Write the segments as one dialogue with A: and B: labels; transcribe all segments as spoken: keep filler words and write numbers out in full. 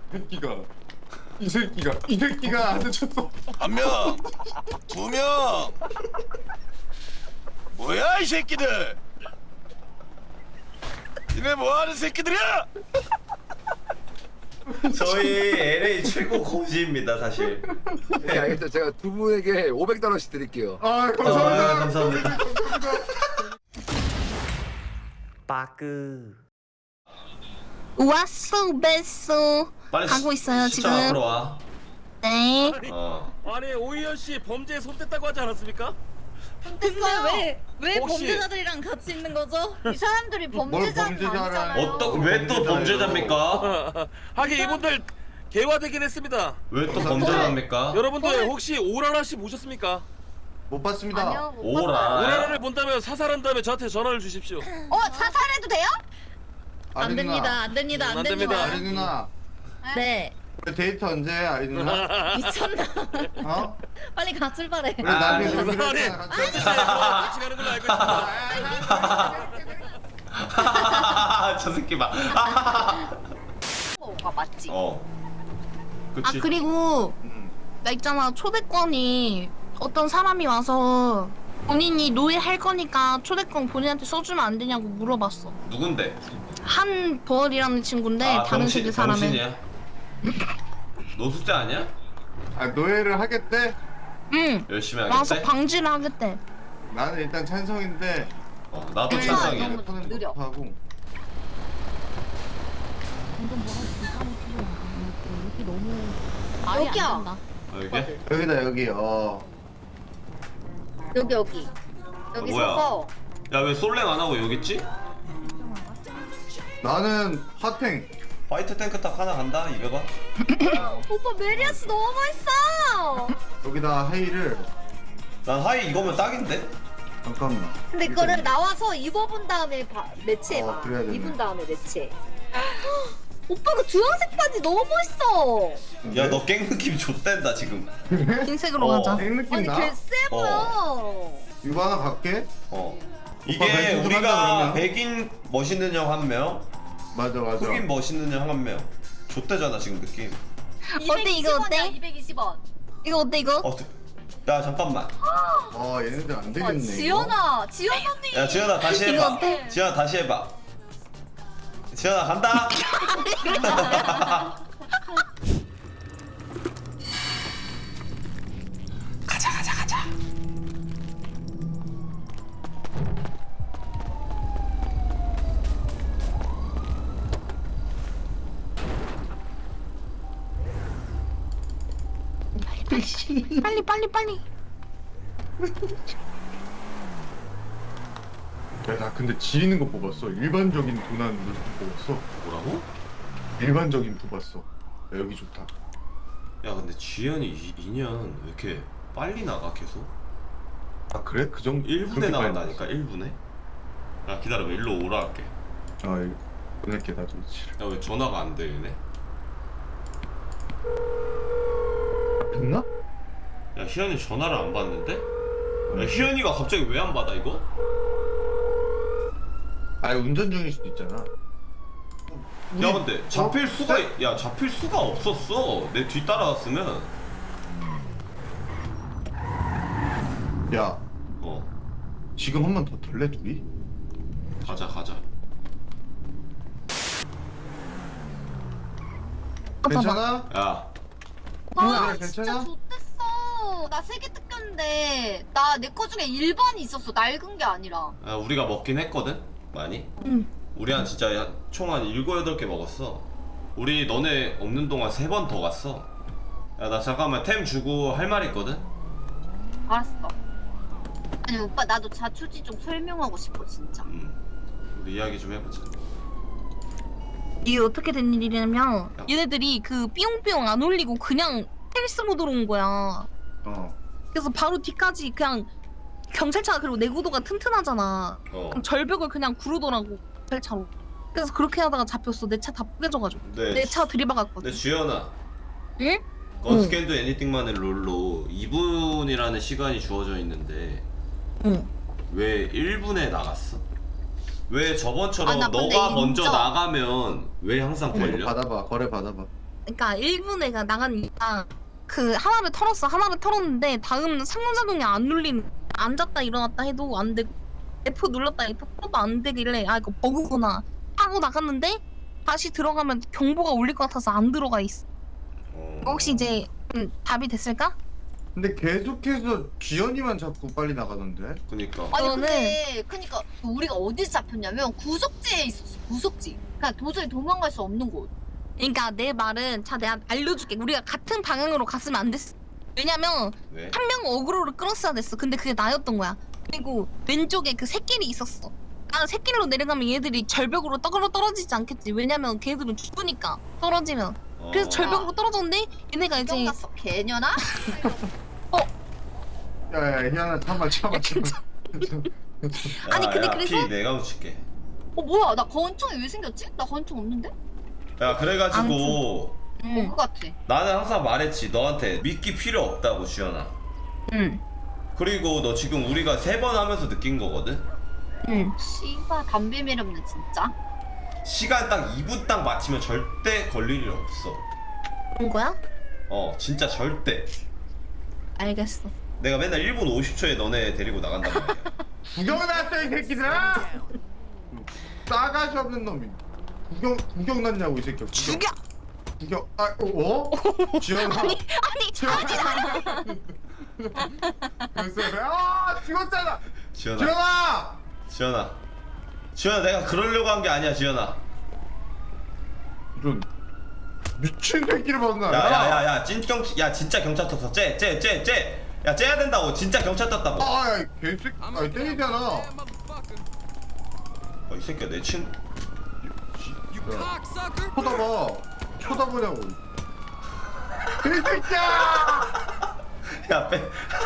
A: 새끼가 이 새끼가 이 새끼가 안 쳤어.
B: 한 명, 두 명. 뭐야 이 새끼들? 니네 뭐하는 새끼들이야?
C: 저희 엘에이 최고 고지입니다 사실.
D: 네, 알겠죠. 제가 두 분에게 오백 달러씩 드릴게요.
A: 아
C: 아,
A: 감사합니다.
C: 감사합니다. 빠끄.
E: 왔어 뺐어
C: 빨리
E: 가고 있어요
C: 시청 앞으로
E: 지금.
C: 와.
E: 네.
C: 어.
F: 아니 오희연 씨 범죄에 손댔다고 하지 않았습니까?
G: 근데 왜, 왜
F: 혹시-
G: 범죄자들이랑 같이 있는 거죠?
H: 이 사람들이
A: 뭘
H: 범죄자는
A: 범죄자를
H: 아니잖아요.
C: 어떤 왜 또 범죄자입니까?
F: 하긴 이분들 개화되긴 했습니다.
C: 왜 또 범죄자입니까?
F: 여러분들 혹시 오라라 씨 보셨습니까?
A: 못 봤습니다.
H: 아니요, 못
C: 오라.
H: 봤어요.
F: 오라라를 본다면 사살한 다음에 저한테 전화를 주십시오.
H: 어, 자살해도 돼요?
G: 안
A: 아리
G: 됩니다,
A: 누나.
G: 안 됩니다, 안
F: 안
G: 됩니다.
F: 됩니다.
A: 아리 누나.
G: 네,
A: 왜 데이트 언제 해, 아리 누나?
G: 미쳤나?
A: 어?
G: 빨리 가 출발해.
A: 우리 나중에
C: 아니,
A: 놀기로
F: 아니,
A: 했잖아, 같이.
F: 같이 가는 걸로 알고 있습니다.
C: 저 새끼 봐.
H: 뭐가 맞지?
C: 어.
E: 아
C: 그치.
E: 그리고
A: 음.
E: 나 있잖아 초대권이 어떤 사람이 와서 본인이 노예 할 거니까 초대권 본인한테 써주면 안 되냐고 물어봤어.
C: 누군데?
E: 한벌이라는 친구인데
C: 아,
E: 다른
C: 병신,
E: 세계 사람에.
C: 병신이야? 노숙자 아니야?
A: 아 노예를 하겠대?
E: 응.
C: 열심히
E: 와서
C: 하겠대?
E: 방지를 하겠대.
A: 나는 일단 찬성인데.
C: 어, 나도
H: 음,
C: 찬성이야.
H: 너무
A: 폰은
H: 느려.
A: 못하고.
H: 여기야.
C: 어, 여기?
A: 여기다 여기. 어.
H: 여기 여기. 여기
C: 어, 뭐야?
H: 서서.
C: 야 왜 솔랭 안 하고 여기 있지?
A: 나는 핫행.
C: 화이트 탱크탑 하나 간다 이거 봐.
H: 오빠 메리아스 너무 멋있어.
A: 여기다 하이를.
C: 난 하이 이거면 딱인데?
A: 잠깐만.
H: 근데 그거를 나와서 입어본 다음에 바, 매치해봐.
A: 어, 그래야 되네.
H: 입은 다음에 매치해. 오빠 그 주황색 바지 너무 멋있어.
C: 야 너 갱 느낌 좆된다 지금.
E: 흰색으로
C: 어.
E: 가자.
A: 행 느낌
H: 아니
A: 나?
H: 개쎄 보여.
A: 이거 하나 갈게.
C: 어.
A: 오빠
C: 이게
A: 백인
C: 우리가
A: 한다, 그러면?
C: 백인 멋있는 형 한 명,
A: 맞아 맞아.
C: 흑인 멋있는 형 한 명. 좆대잖아 지금 느낌.
E: 어때, 이거 어때?
H: 이백이십 원.
E: 이거 어때 이거?
C: 어, 야 잠깐만.
A: 어 얘네들 안
H: 아,
A: 되겠네. 이거.
H: 지연아, 지연 언니.
C: 야 지현아 다시
E: 이거
C: 해봐.
E: 어때?
C: 지현아 다시 해봐. 지현아 간다. 가자 가자 가자.
E: 빨리 빨리 빨리.
A: 야나 근데 지리는 거 뽑았어. 일반적인 도난 루트 뽑았어.
C: 뭐라고?
A: 일반적인 뽑았어. 야, 여기 좋다.
C: 야 근데 지현이 이 년 왜 이렇게 빨리 나가 계속?
A: 아 그래? 그 정도?
C: 일 분에
A: 그렇게
C: 나간다니까
A: 빨리
C: 일 분에? 야 기다려봐 일로 오라 할게.
A: 나왔어? 아 이거 보낼게 나도 위치를.
C: 야 왜 전화가 안 되네?
A: 됐나?
C: 야 희연이 전화를 안 받는데? 야 희연이가 갑자기 왜 안 받아 이거?
A: 아 운전 중일 수도 있잖아.
C: 야 근데 잡힐
A: 어?
C: 수가 야 잡힐 수가 없었어. 내 뒤 따라왔으면.
A: 야
C: 어
A: 지금 한 번 더 덜래 둘이?
C: 가자 가자.
A: 괜찮아?
C: 야
H: 와,
A: 뭐야,
H: 진짜
A: 괜찮아?
H: 좋댔어. 나 세 개 뜯겼는데 나 내 거 중에 일 번이 있었어. 낡은 게 아니라.
C: 야, 우리가 먹긴 했거든 많이.
E: 응.
C: 우리 한 진짜 총 한 일곱 여덟 개 먹었어. 우리 너네 없는 동안 세 번 더 갔어. 야 나 잠깐만 템 주고 할 말 있거든.
H: 알았어. 아니 오빠 나도 자초지 좀 설명하고 싶어 진짜.
C: 음 우리 이야기 좀 해보자.
E: 이게 어떻게 된 일이냐면
C: 야.
E: 얘네들이 그 삐용삐용 안 올리고 그냥 헬스 모드로 온 거야.
A: 어.
E: 그래서 바로 뒤까지 그냥 경찰차가 그리고 내구도가 튼튼하잖아.
C: 어.
E: 그럼 절벽을 그냥 구르더라고 경찰차로. 그래서 그렇게 하다가 잡혔어. 내 차 다 뿌개져가지고.
C: 네.
E: 내 차 들이박았거든.
C: 근데 주연아.
E: 응?
C: 건스캔도 애니띵만의 롤로 이 분이라는 시간이 주어져 있는데
E: 응.
C: 왜 일 분에 나갔어? 왜 저번처럼
H: 아, 나 근데
C: 너가 먼저
H: 인정.
C: 나가면 왜 항상
A: 이거
C: 걸려?
A: 받아봐. 거래 받아봐.
E: 그러니까 일본 애가 나간 이유가 그 하나를 털었어. 하나를 털었는데 다음 상호작용이 안 눌린. 앉았다 일어났다 해도 안 되고 에프 눌렀다 에프 풀어도 안 되길래 아 이거 버그구나 하고 나갔는데 다시 들어가면 경보가 울릴 것 같아서 안 들어가 있어.
C: 어...
E: 혹시 이제 음, 답이 됐을까?
A: 근데 계속해서 지연이만 자꾸 빨리 나가던데.
C: 그니까
H: 아니
E: 저는-
H: 근데 그니까 우리가 어디서 잡혔냐면 구석지에 있었어. 구석지. 그냥 도저히 도망갈 수 없는 곳.
E: 그러니까 내 말은 자 내가 알려줄게. 우리가 같은 방향으로 갔으면 안 됐어. 왜냐면
C: 왜?
E: 한 명 어그로를 끌었어야 됐어. 근데 그게 나였던 거야. 그리고 왼쪽에 그 새끼리 있었어. 나는 새끼리로 내려가면 얘들이 절벽으로 떡으로 떨어지지 않겠지. 왜냐면 걔들은 죽으니까 떨어지면.
C: 어...
E: 그래서 절벽으로 떨어졌는데 얘네가 이제
H: 기억났어. 개년아?
A: 야야 희한아 참아 참아 참아.
E: 아니,
C: 야,
E: 근데
C: 야,
E: 그래서-
C: 피 내가 붙일게.
H: 어 뭐야? 나 건총이 왜 생겼지? 나 건총 없는데?
C: 야 그래가지고
E: 응.
H: 버그 같아.
C: 나는 항상 말했지 너한테 믿기 필요 없다고 주연아.
E: 응.
C: 그리고 너 지금 우리가 세 번 하면서 느낀 거거든?
E: 응.
H: 씨발 담배 매렵네 진짜.
C: 시간 딱 이 분 딱 맞추면 절대 걸릴 일 없어.
E: 온 거야?
C: 어 진짜 절대.
E: 알겠어.
C: 내가 맨날 일 분 오십 초에 너네 데리고 나간단 말이야.
A: 구경 났어 이 새끼들아. 싸가지 없는 놈이. 구경 구경 났냐고 이 새끼. 구경.
E: 죽여!
A: 구경. 아 어? 지연아.
E: 아니 아니
A: 지연아. 그래서 아 죽었잖아.
C: 지연아
A: 지연아.
C: 지연아 지연아 내가 그러려고 한 게 아니야 지연아.
A: 이런 미친 새끼를 만나.
C: 야야야야 찐경 야 진짜 경찰 떴어. 쟤쟤쟤쟤야 째야 된다고. 진짜 경찰 떴다고.
A: 아야 개새끼. 아 때리잖아.
C: 어, 이 새끼야 내 친.
A: 쳐다봐. 쳐다보냐고. 개새끼야.
C: 야 빼.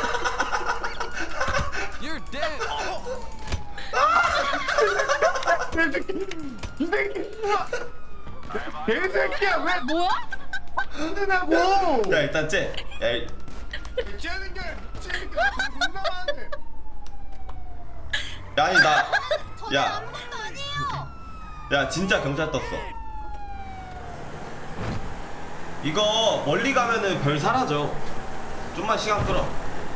A: 개새끼. 이 새끼. 개새끼야 왜
H: 뭐야?
A: 흔드냐고.
C: 야 일단 째. 야 일-
A: 째는 게 째는 게 존나 많은데.
C: 야 아니 나.
H: 저는
C: 야.
H: 아무것도 아니에요.
C: 야 진짜 경찰 떴어. 이거 멀리 가면은 별 사라져. 좀만 시간 끌어.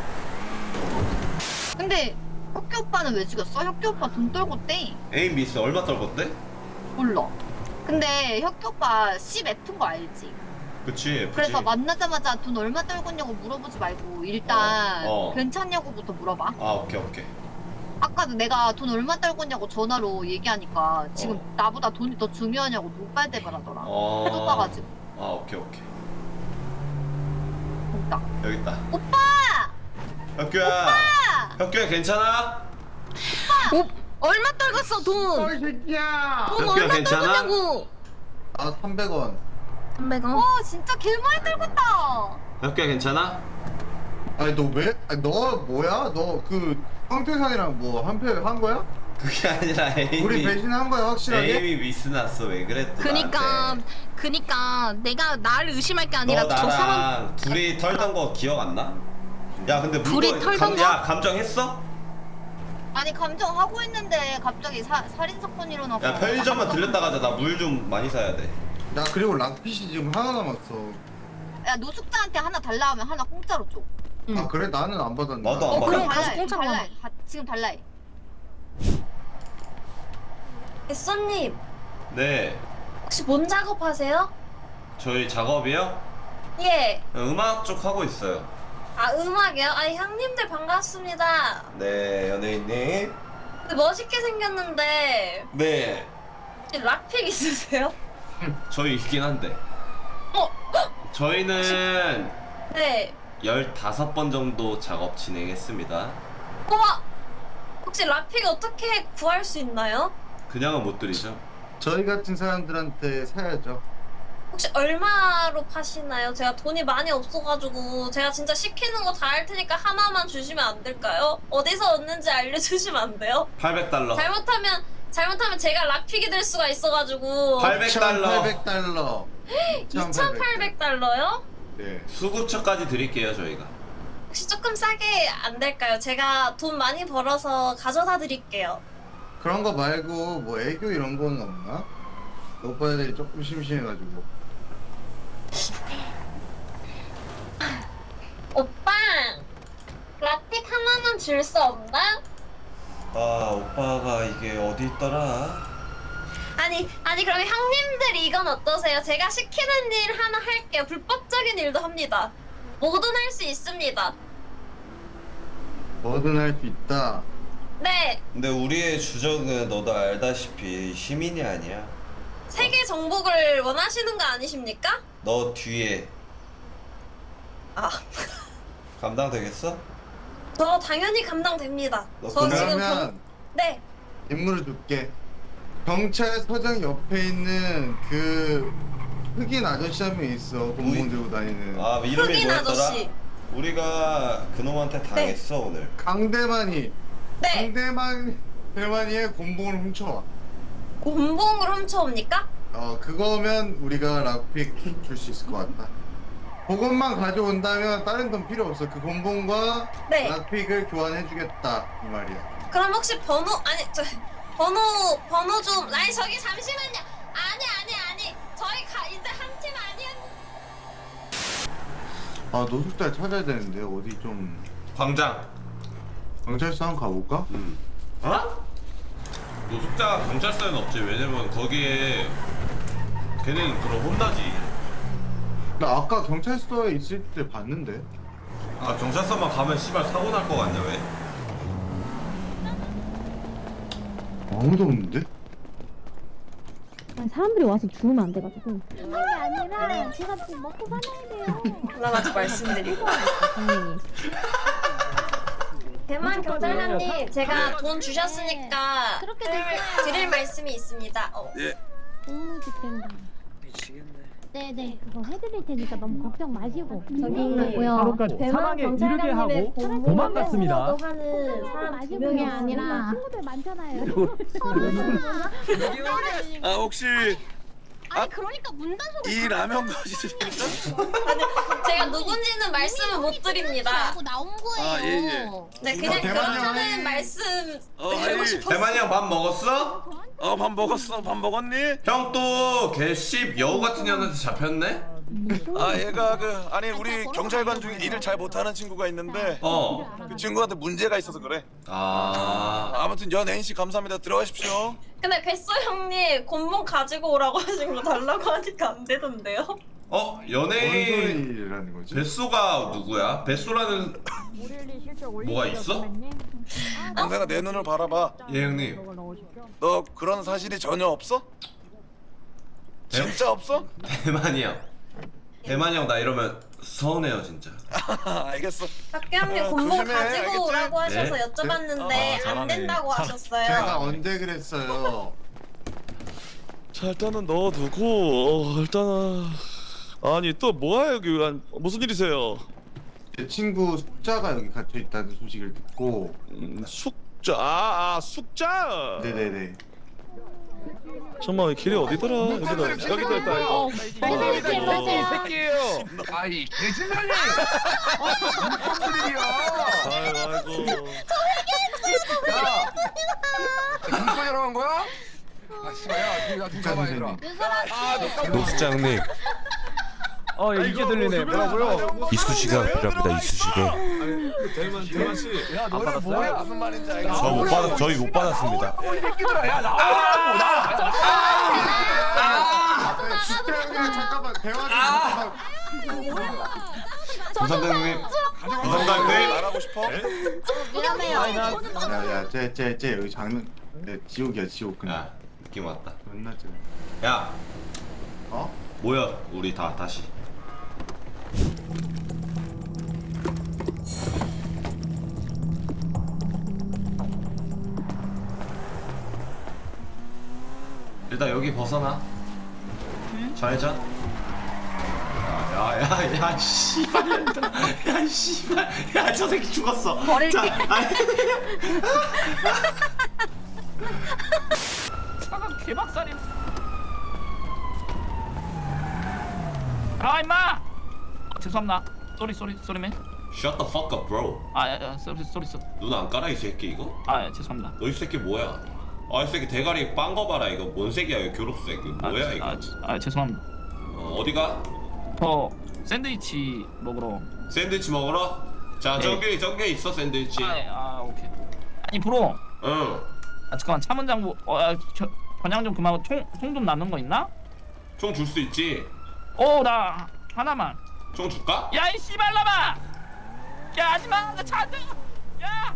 H: 근데 혁기 오빠는 왜 죽였어? 혁기 오빠 돈 떨궜대.
C: 에임 미스 얼마 떨궜대?
H: 몰라. 근데 혁기 오빠 십 F인 거 알지?
C: 그치 F지.
H: 그래서 만나자마자 돈 얼마 떨궜냐고 물어보지 말고 일단
C: 어, 어.
H: 괜찮냐고부터 물어봐.
C: 아 오케이 오케이.
H: 아까도 내가 돈 얼마 떨궜냐고 전화로 얘기하니까 지금
C: 어.
H: 나보다 돈이 더 중요하냐고 노발대발하더라.
C: 어.
H: 좁아가지고.
C: 아 오케이 오케이.
H: 됐다.
C: 여기 있다.
H: 오빠!
C: 혁규야. 혁규야 괜찮아?
E: 어, 얼마 떨궜어 돈?
A: 어이 새끼야.
E: 돈
C: 혁규야,
E: 얼마
C: 괜찮아?
E: 떨궜냐고?
A: 아 삼백 원.
E: 삼백 원.
H: 어 진짜 개 많이 떨궜다.
C: 혁규야 괜찮아?
A: 아니 너 왜? 아니 너 뭐야? 너 그 황태산이랑 뭐 한패 한 거야?
C: 그게 아니라 에임이
A: 우리 배신한 거야 확실하게?
C: 에임이 미스 났어. 왜 그래 또
E: 그니까
C: 나한테.
E: 그니까 내가 나를 의심할 게 아니라
C: 너
E: 저
C: 나랑
E: 사람
C: 둘이 털던 거 기억 안 나? 야 근데
E: 둘이
C: 물건
E: 털던
C: 감,
E: 거?
C: 야 감정했어?
H: 아니 감정하고 있는데 갑자기 사, 살인사건 일어나고.
C: 야 편의점만 들렸다 가자. 나 물 좀 많이 사야 돼.
A: 나 그리고 락핏이 지금 하나 남았어.
H: 야 노숙자한테 하나 달라 하면 하나 공짜로 줘.
E: 응.
A: 아 그래? 나는 안 받았는데.
C: 나도 안
E: 어,
C: 받아.
E: 그럼 가서
H: 달라해,
E: 공짜로
H: 달라해. 가- 지금 달라해.
G: 햇son님
C: 네
G: 혹시 뭔 작업하세요?
C: 저희 작업이요?
G: 예.
C: 음악 쪽 하고 있어요.
G: 아 음악이요? 아 형님들 반갑습니다.
C: 네 연예인님.
G: 근데 멋있게 생겼는데
C: 네
G: 혹시 락픽 있으세요?
C: 저희 있긴 한데.
G: 어?
C: 저희는
G: 네.
C: 열다섯 번 정도 작업 진행했습니다.
G: 우와! 혹시 락픽 어떻게 구할 수 있나요?
C: 그냥은 못 드리죠.
A: 저희 같은 사람들한테 사야죠.
G: 혹시 얼마로 파시나요? 제가 돈이 많이 없어가지고 제가 진짜 시키는 거 다 할 테니까 하나만 주시면 안 될까요? 어디서 얻는지 알려주시면 안 돼요?
C: 팔백 달러.
G: 잘못하면 잘못하면 제가 락픽이 될 수가 있어가지고
C: 팔백 달러.
A: 이천팔백 달러.
G: 이천팔백 달러요?
A: 네.
C: 수급처까지 드릴게요 저희가.
G: 혹시 조금 싸게 안 될까요? 제가 돈 많이 벌어서 가져다 드릴게요.
A: 그런 거 말고 뭐 애교 이런 거는 없나? 오빠들이 조금 심심해가지고.
G: 오빠 라틱 하나만 줄 수 없나?
C: 아 오빠가 이게 어디 있더라?
G: 아니 아니 그럼 형님들 이건 어떠세요? 제가 시키는 일 하나 할게요. 불법적인 일도 합니다. 뭐든 할 수 있습니다.
A: 뭐든 할 수 있다.
G: 네,
C: 근데 우리의 주적은 너도 알다시피 시민이 아니야.
G: 세계 정복을 원하시는 거 아니십니까?
C: 너 뒤에
G: 아,
C: 감당되겠어?
G: 저 당연히 감당됩니다.
C: 너
G: 저 지금
A: 그러면
G: 경... 네,
A: 인물을 줄게. 경찰서장 옆에 있는 그 흑인 아저씨 한 명 있어. 공무원 들고 다니는.
C: 아 이름이
G: 흑인
C: 뭐였더라?
G: 아저씨.
C: 우리가 그놈한테 당했어 오늘.
A: 강대만이.
G: 네,
A: 강대만 대만이의 곤봉을 훔쳐와.
G: 곤봉을 훔쳐옵니까?
A: 어 그거면 우리가 락픽 줄 수 있을 것 같다. 그것만 가져온다면 다른 돈 필요 없어. 그 곤봉과
G: 네.
A: 락픽을 교환해주겠다 이 말이야.
G: 그럼 혹시 번호 아니 저 번호 번호 좀 아니 저기 잠시만요. 아니 아니 아니 저희 가 이제 한 팀 아니었.
A: 아 노숙자 찾아야 되는데 어디 좀
C: 광장.
A: 경찰서 한번 가볼까?
C: 음. 어? 노숙자 경찰서에는 없지. 왜냐면 거기에 걔는 그럼 혼나지.
A: 나 아까 경찰서에 있을 때 봤는데.
C: 아 경찰서만 가면 씨발 사고 날 거 같냐 왜?
A: 아무도 없는데?
I: 아니, 사람들이 와서 죽으면 안 돼가지고. 그런 게 아니라 제가 좀 먹고 살아야 돼요.
G: 하나만 말씀드리고.
I: 당연히.
G: 대만 경찰관님 제가 돈 주셨으니까
I: 그렇게
G: 드릴,
I: 됐어요.
G: 드릴 말씀이 있습니다. 어.
F: 예.
I: 너무 집된다.
F: 미치겠네.
I: 네네 그거 해드릴 테니까 너무 걱정 마시고. 저기
J: 뭐야? 사망에 이르게 하고 도망갔습니다.
I: 사람 두 명이 아니라 친구들 많잖아요.
F: 아 혹시
H: 아니 그러니까 문단속을
F: 이 라면 거짓입니까?
G: 제가 누군지는 말씀을 못 드립니다.
H: 하고 나온 거예요.
F: 아, 예, 예.
G: 네 그냥
A: 대만이요.
G: 그렇다는 말씀
F: 어,
G: 드리고
F: 아니.
G: 싶었어요.
C: 대만이 형 밥 먹었어?
F: 어 밥 먹었어. 밥 먹었니?
C: 형 또 개씹 여우 같은 년한테 잡혔네?
F: 아 얘가 그 아니 우리 경찰관 중에 일을 잘 못하는 친구가 있는데
C: 어.
F: 그 친구한테 문제가 있어서 그래.
C: 아.
F: 아무튼 연 N씨 감사합니다. 들어가십시오.
G: 근데 뱃소 형님 곤봉 가지고 오라고 하신 거 달라고 하니까 안 되던데요?
C: 어
A: 뭔
C: 연예인
A: 소리라는 거지?
C: 뱃소가 누구야? 뱃소라는 뭐가 있어?
F: 동생아 내 눈을 바라봐.
C: 예 형님.
F: 너 그런 사실이 전혀 없어? 진짜 없어?
C: 대만이 형. 대만이 형 나 이러면 서운해요 진짜.
F: 알겠어.
G: 박기 형님
F: 어,
G: 곤봉
F: 조심해,
G: 가지고
F: 알겠지?
G: 오라고 하셔서
C: 네.
G: 여쭤봤는데
F: 네?
C: 아,
G: 안
C: 잘하네.
G: 된다고 하셨어요.
A: 제가 언제 그랬어요?
F: 자 일단은 넣어두고 어, 일단은 아니 또 뭐야 여기 안- 무슨 일이세요?
A: 제 친구 숙자가 여기 갇혀 있다는 소식을 듣고.
F: 음, 숙자 아, 아 숙자.
A: 네네네.
F: 잠깐만 길이 어디더라? 여기다 여기다 있다 이거.
I: 감사합니다.
F: 이 새끼예요.
D: 아이 개진년이.
F: 아이고 아이고.
D: 야. 김건이라고 한 거야? 아 씨발 야 니가 누가 봐 얘들아.
J: 노숙장님. 어 이게 들리네. 뭐라고요?
B: 이쑤시개가 필요합니다. 이쑤시개.
F: 대만 대만 씨.
D: 야 너네 뭐야?
F: 무슨 말인지 알겠어.
B: 저 못 받았 저희 못 받았습니다.
D: 이 새끼들아 야 나오라고 나.
A: 아, 숙자 형이랑 잠깐만 대화 좀 잠깐만.
C: 부산장님. 부산장님.
F: 말하고 싶어?
H: 위험해요.
A: 야야 쟤쟤쟤 여기 장면. 네 지옥이야 지옥 그냥.
C: 야 느낌 왔다.
A: 존나 쟤.
C: 야
A: 어?
C: 모여 우리 다 다시. 일단 여기 벗어나. 잘 자. 야야야 씨발 야 씨발 야 저 새끼 죽었어. 버릴게.
J: 차가 개박살이. 아 임마. 죄송합니다. 쏘리 쏘리 쏘리맨.
C: Shut the fuck up, bro.
J: 아야 쏘리 쏘리 쏘리.
C: 눈 안 깔아 이 새끼 이거?
J: 아 죄송합니다.
C: 너 이 새끼 뭐야? 아 이 새끼 대가리 빵 거 봐라 이거 뭔 새끼야 이거 교록색 이거 뭐야
J: 아,
C: 이거?
J: 아, 아 죄송합니다.
C: 어, 어디가?
J: 저 샌드위치 먹으러.
C: 샌드위치 먹으러? 자
J: 네.
C: 저기 저기 있어 샌드위치.
J: 아, 아 오케이. 아니 브로.
C: 응.
J: 아 잠깐만 차문장구. 어, 야, 저, 번양 좀 그만하고 총총 좀 남는 거 있나?
C: 총 줄 수 있지.
J: 어 나 하나만.
C: 총 줄까?
J: 야 이 씨발놈아! 야 하지마 나 차 안 돼! 야!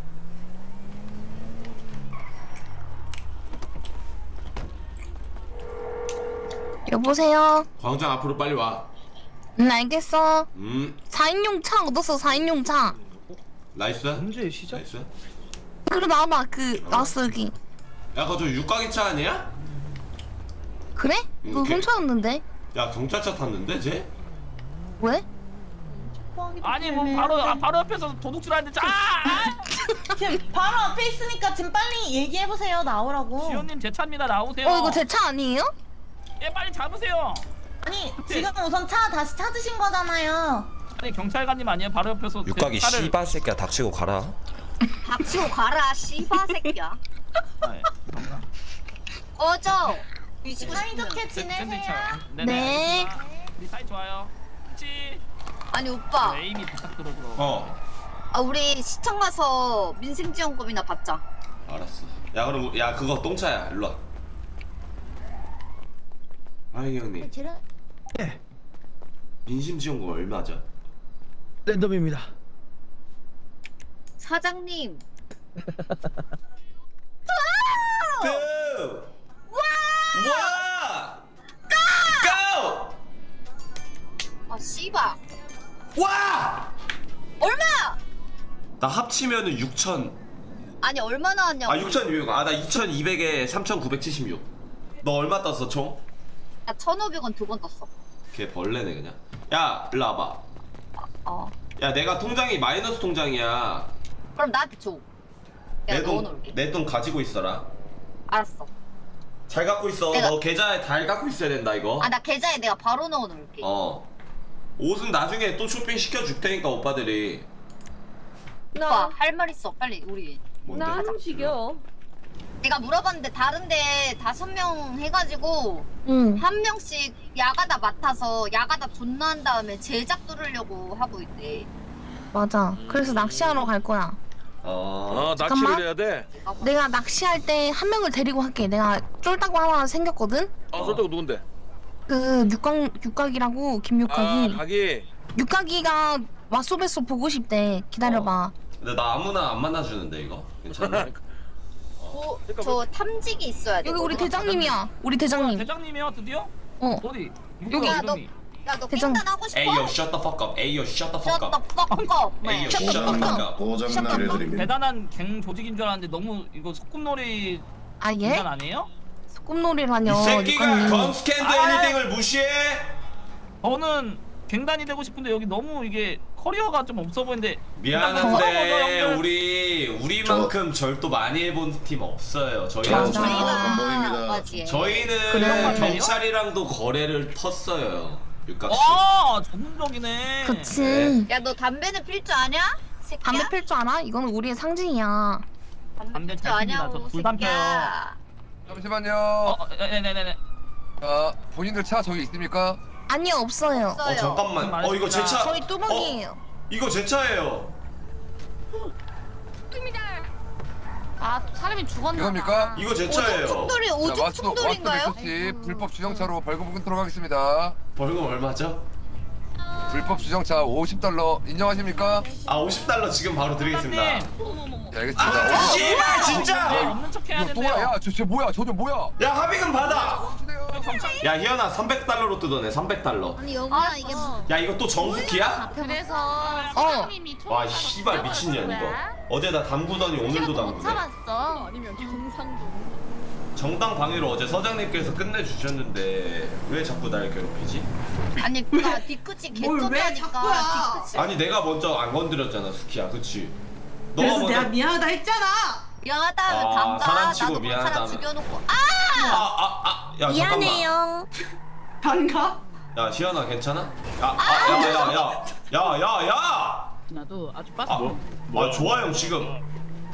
E: 여보세요?
C: 광장 앞으로 빨리 와.
E: 응 알겠어.
C: 음
E: 사인용 차 얻었어 사인용 차.
C: 나이스. 문제 시작. 나이스.
E: 그래 나와봐 그 나왔어 여기.
C: 야 그거 저 육각이 차 아니야?
E: 그래?
C: 음,
E: 그거
C: 오케이.
E: 훔쳐왔는데?
C: 야 경찰차 탔는데 쟤?
E: 왜?
J: 아니 뭐 바로 아, 바로 옆에서 도둑질하는데 자! 아!
K: 지금 바로 앞에 있으니까 지금 빨리 얘기해보세요. 나오라고.
J: 지호님 제 차입니다 나오세요.
E: 어 이거 제 차 아니에요?
J: 예 빨리 잡으세요.
K: 아니 지금 우선 차 다시 찾으신 거잖아요.
J: 아니 경찰관님 아니에요 바로 옆에서 제
B: 육각이
J: 차를-
B: 씨발 새끼야 닥치고 가라.
H: 닥치고 가라 씨바 새끼야.
J: 아, 예. 감사합니다.
H: 꺼져. 뒤지고
K: 사이좋게
J: 샌-
K: 지내세요.
J: 샌드위치요.
E: 네.
J: 네네. 알겠습니다. 우리 사이 좋아요. 그치?
H: 아니 오빠.
J: 에이미 부탁드려 그럼.
C: 어
H: 아 우리 시청 가서 민생지원금이나 받자.
C: 알았어. 야 그럼 야 그거 똥차야 일로 와. 아이 형님.
K: 제가
C: 민심지원금 얼마죠?
F: 랜덤입니다.
H: 사장님.
C: 고! 와! 고!
H: 아 씨바.
C: 와!
H: 얼마?
C: 나 합치면은 육천.
H: 아니 얼마 나왔냐고.
C: 아 육천이백. 아 나 이천이백에 삼천구백칠십육. 너 얼마 떴어 총?
H: 나 천오백 원 두 번 떴어.
C: 걔 벌레네 그냥. 야 일로 와봐.
H: 어.
C: 야 내가 통장이 마이너스 통장이야.
H: 그럼 나한테 줘. 내가 넣어놓을게.
C: 내 돈 가지고 있어라.
H: 알았어.
C: 잘 갖고 있어.
H: 내가-
C: 너 계좌에 잘 갖고 있어야 된다 이거.
H: 아 나 계좌에 내가 바로 넣어놓을게.
C: 어. 옷은 나중에 또 쇼핑 시켜줄 테니까 오빠들이.
H: 오빠 할 말 있어 빨리 우리.
C: 뭔데?
H: 움직여. 내가 물어봤는데 다른데 다섯 명 해가지고
E: 응.
H: 한 명씩 야가다 맡아서 야가다 존나 한 다음에 제작 뚫으려고 하고 있대.
E: 맞아. 그래서 낚시하러 갈 거야.
C: 어.
F: 아
E: 잠깐만.
F: 낚시를 해야 돼.
E: 내가 낚시할 때 한 명을 데리고 할게. 내가 쫄다고 하나 생겼거든?
F: 아 솔직히 누군데?
E: 그 육각, 육각이라고
F: 아
E: 김육각이.
F: 가기.
E: 육각이가 왓소베소 보고 싶대. 기다려봐.
C: 근데 나 아무나 안 만나주는데 이거 괜찮아?
H: 어, 저 탐지기 있어야 돼.
E: 여기 우리 대장님이야. 우리
J: 어,
E: 대장님.
J: 대장님이요 드디어?
E: 어.
J: 어디?
E: 여기.
H: 야, 너-
J: 이름이?
H: 야너
E: 대장-
H: 깽단 하고 싶어?
C: 에이요 shut the fuck up. 에이요 shut the fuck
H: Shut
C: up.
H: the fuck up.
C: 에이요
H: 네.
C: shut the fuck up.
A: 고장 내려드립니다.
J: 대단한 갱 조직인 줄 알았는데 너무 이거 소꿉놀이
E: 아
J: 인간
E: 예?
J: 아니에요?
E: 소꿉놀이라뇨.
C: 이 새끼가
E: 육각님.
C: 건스캔드
J: 아,
C: 애니딩을 무시해?
J: 저는 갱단이 되고 싶은데 여기 너무 이게 커리어가 좀 없어 보이는데
C: 미안한데
J: 형들.
C: 우리 우리만큼 절도 많이 해본 팀 없어요. 저희는
E: 맞아.
A: 전범입니다.
H: 맞지.
C: 저희는
E: 그래.
C: 경찰이랑도 거래를 텄어요. 육각 씨.
J: 와 전문적이네.
E: 그치.
H: 야 너 담배는 필 줄 아냐? 새끼야?
E: 담배 필 줄 알아? 이건 우리의 상징이야.
J: 담배
H: 필줄
J: 잘 핍니다.
H: 아냐고,
J: 저 불담
H: 새끼야.
D: 잠시만요.
J: 어, 네네네네.
D: 자, 본인들 차 저기 있습니까?
E: 아니요 없어요.
C: 어
H: 없어요.
C: 잠깐만. 어 이거 제 차.
E: 저희 뚜벅이에요.
C: 어, 이거 제 차예요.
H: 아 사람이 죽었나
D: 이겁니까?
C: 이거 제
H: 오줌
C: 차예요.
H: 충돌이
D: 자,
H: 오줌
D: 마스터
H: 충돌인가요?
D: 마스터 미소씨 불법 주정차로 벌금 끊도록 하겠습니다.
C: 벌금 얼마죠?
D: 불법 주정차 오십 달러 인정하십니까?
C: 아 오십 달러 지금 바로 드리겠습니다.
D: 네, 알겠습니다.
C: 아 씨발
J: 네,
C: 진짜.
J: 없는 척 해야
D: 이거 또
J: 된대요.
D: 야, 저, 저 뭐야? 저 저 뭐야?
C: 야 합의금 받아.
D: 주세요.
C: 야 희연아 삼백 달러로 뜯어내. 삼백 달러.
H: 아니 여기야 이게 뭐
C: 야 이거 또 정수기야?
H: 그래서
E: 어.
C: 와 씨발 미친년 이거. 어제 나 담구더니 오늘도 담구네.
H: 참았어.
C: 정당 방위로 어제 서장님께서 끝내주셨는데 왜 자꾸 날 괴롭히지?
H: 아니 나 뒤끝이 개쩌다니까 뒤끝이.
C: 아니 내가 먼저 안 건드렸잖아 스키야 그치? 너가
K: 그래서
C: 먼저
K: 내가 미안하다 했잖아.
H: 미안하다면
C: 아,
H: 담가.
C: 사람 치고
H: 나도 그 사람
C: 미안하다면.
H: 죽여놓고 아!
C: 아아아야
E: 미안해요.
K: 반가?
C: 야 시연아 괜찮아? 야야야야야야야야
J: 나도 아주
C: 아, 아 좋아요 지금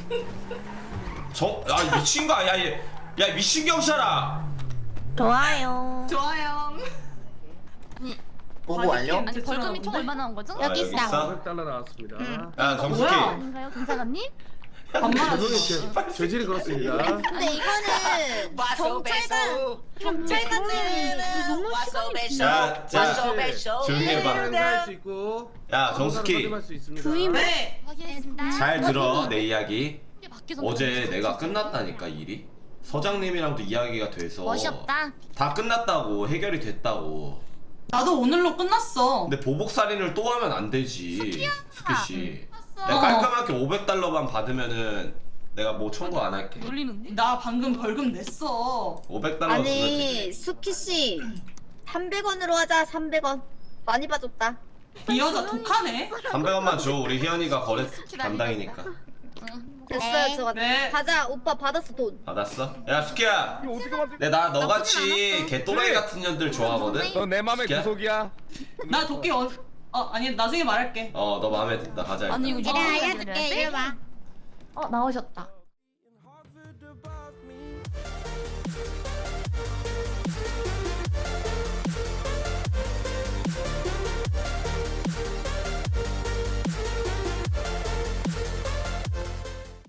C: 저아 미친 거 아니야 얘. 야 미친 경찰아
E: 좋아요.
K: 좋아요. 보고 완료?
H: 아니 벌금이 총 얼마 나온 거죠?
C: 아, 여기 있어?
D: 달러 나왔습니다.
C: 야 정숙이
I: 아닌가요, 경찰관님?
D: 죄송해요. 죄질이 그렇습니다.
K: 근데 이거는 경찰관 경찰관들은 와서 배쇼
C: 자, 자,
K: 와서 배쇼
C: 조용히 해봐.
D: 할수 있고.
C: 야 정숙이
D: 할수 있습니다.
I: 부임.
K: 네.
H: 확인했습니다.
C: 잘 들어 내 이야기.
H: 이게 밖에서
C: 어제
H: 너무
C: 내가
H: 무서워서.
C: 끝났다니까 일이. 서장님이랑도 이야기가 돼서
H: 멋이 없다.
C: 다 끝났다고 해결이 됐다고.
K: 나도 오늘로 끝났어.
C: 근데 보복 살인을 또 하면 안 되지. 스키 씨.
H: 봤어.
C: 내가 깔끔하게 오백 달러만 받으면은 내가 뭐 청구 안 할게.
H: 놀리는데?
K: 나 방금 벌금 냈어.
C: 오백 달러 주면
L: 아니
C: 되지.
L: 수키 씨 삼백 원으로 하자. 삼백 원 많이 봐줬다.
K: 이 여자 독하네.
C: 삼백 원만 줘. 우리 희연이가 거래 담당이니까.
L: 됐어요. 저
K: 네.
L: 가자. 오빠 받았어 돈.
C: 받았어? 야 수키야. 내 나 너같이 개또라이 같은 년들 좋아하거든.
D: 너 내 맘의
C: 스키야?
D: 구속이야.
K: 나 도끼 어, 어 아니 나중에 말할게.
C: 어 너 마음에 든다. 가자. 일단.
H: 아니 이거
L: 이래 알려줄게. 이리 와.
I: 어, 나오셨다.